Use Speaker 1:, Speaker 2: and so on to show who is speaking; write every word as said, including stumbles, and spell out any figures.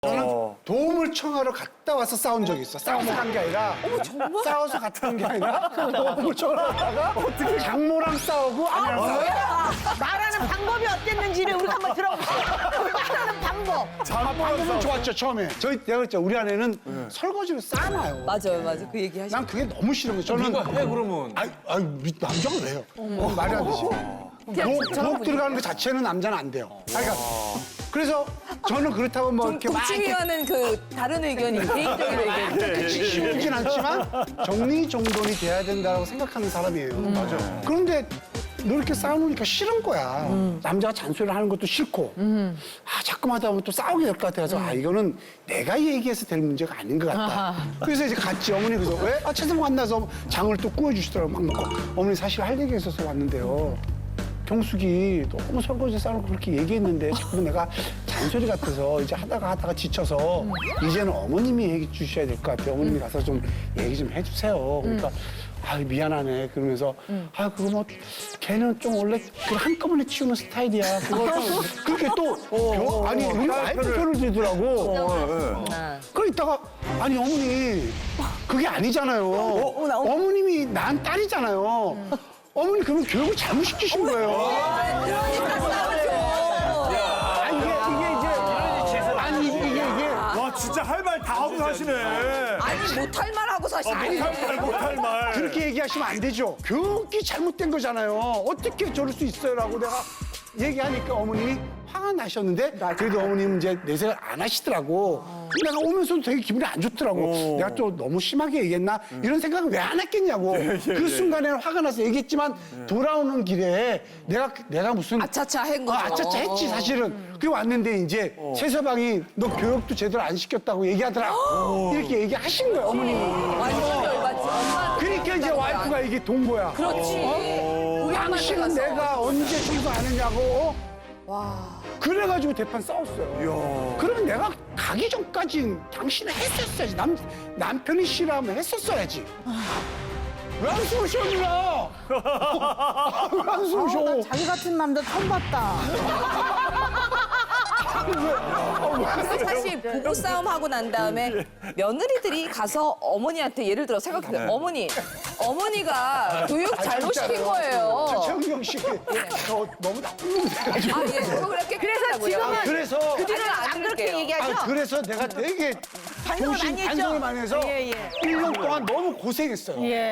Speaker 1: 저는 도움을 청하러 갔다 와서 싸운 적이 있어. 싸워서 간 게 아니라. 싸워서 갔다 온 게 아니라 도움을 청하러 갔다가 장모랑 싸우고 아니랑 싸우고.
Speaker 2: 말하는 방법이 어땠는지를 우리가 한번 들어볼게요. 말하는 방법.
Speaker 1: 방법은 좋았죠, 처음에. 저희 내가 그랬죠. 우리 아내는 설거지를 싸놔요.
Speaker 3: 맞아요, 맞아요. 그 얘기 하시죠.
Speaker 1: 난 그게 너무 싫은 거예요. 저는
Speaker 4: 누가 해 그러면?
Speaker 1: 아이, 아이, 미- 남자가 왜요? 어, 말이 안 되지. 부엌, 부엌 들어가는 것 자체는 남자는 안 돼요. 아니, 그러니까 그래서 저는 그렇다고 뭐 이렇게 막 이렇게
Speaker 3: 동치미와는 그 다른 의견이 개인적인 의견.
Speaker 1: 쉬우진 않지만 정리정돈이 돼야 된다고 생각하는 사람이에요. 맞아요. 그런데 너 이렇게 싸우니까 싫은 거야. 남자가 잔소리를 하는 것도 싫고. 아, 자꾸만 하다 보면 또 싸우게 될 것 같아서 아, 이거는 내가 얘기해서 될 문제가 아닌 것 같다. 그래서 이제 같이 어머니 그래서 왜? 아, 최선 만나서 장을 또 구워주시더라고. 막 먹고. 어머니 사실 할 얘기 있어서 왔는데요. 경숙이 너무 설거지 싸놓고 그렇게 얘기했는데 자꾸 내가 잔소리 같아서 이제 하다가 하다가 지쳐서 이제는 어머님이 얘기 주셔야 될 것 같아요. 어머님이 가서 좀 얘기 좀 해주세요. 그러니까 아 미안하네 그러면서 아 그거 뭐 걔는 좀 원래 그 한꺼번에 치우는 스타일이야. 그거 좀 그렇게 또 겨- 아니 우리 와이프 편을 들더라고. 그러 있다가 아니 어머니 그게 아니잖아요. 어머님이 난 딸이잖아요. 어머니 그러면 교육을 잘못 시키신 거예요.
Speaker 3: 그러니까 싸우죠.
Speaker 1: 아니 이게 이게 이제 아니 이게 이게 이게
Speaker 4: 와 진짜 할 말 다 하고 사시네.
Speaker 3: 아니 못할 말 하고 사실.
Speaker 4: 못할 말 못할 말.
Speaker 1: 그렇게 얘기하시면 안 되죠. 교육이 잘못된 거잖아요. 어떻게 저럴 수 있어요라고 내가 얘기하니까 어머님이 화가 나셨는데 그래도 어머님 이제 내색을 안 하시더라고. 내가 오면서도 되게 기분이 안 좋더라고. 내가 또 너무 심하게 얘기했나 이런 생각을 왜 안 했겠냐고. 그 순간에는 화가 나서 얘기했지만 돌아오는 길에 내가 내가 무슨
Speaker 3: 아차차 한 거죠.
Speaker 1: 아, 아차차 했지 사실은. 그게 왔는데 이제 최서방이 너 교육도 제대로 안 시켰다고 얘기하더라. 이렇게 얘기하신 거예요 어머님이.
Speaker 3: 완전 열받지. 엄마한테
Speaker 1: 그러니까 이제 와이프가 이게 돈 거야.
Speaker 3: 그렇지. 우리 엄마한테
Speaker 1: 당신은
Speaker 3: 가서.
Speaker 1: 내가 언제 청소 안 했냐고. 어? 그래가지고 대판 싸웠어요. 그러면 내가 가기 전까지 당신은 했었어야지. 남, 남편이 싫어하면 했었어야지. 왜 한숨을 쉬어, 누나? 왜 한숨을 쉬어?
Speaker 2: 자기 같은 남자 처음 봤다.
Speaker 3: 근데 사실 부부 싸움 하고 난 다음에 며느리들이 가서 어머니한테 예를 들어 생각해 어머니 어머니가 교육 잘못 시킨 거예요.
Speaker 1: 최은경 씨, 저 너무 나쁜 놈이 돼가지고.
Speaker 3: 아, 예. 그렇게
Speaker 2: 그래서 지금은
Speaker 1: 아, 그래서.
Speaker 2: 그 뒤로는
Speaker 3: 아니,
Speaker 2: 안
Speaker 3: 안
Speaker 2: 그렇게
Speaker 3: 그럴게요.
Speaker 2: 얘기하죠?
Speaker 1: 아, 그래서 내가 되게
Speaker 2: 반성을
Speaker 1: 정신
Speaker 2: 많이 했죠?
Speaker 1: 반성을 많이 해서
Speaker 2: 예, 예.
Speaker 1: 일 년 동안 너무 고생했어요.
Speaker 2: 예.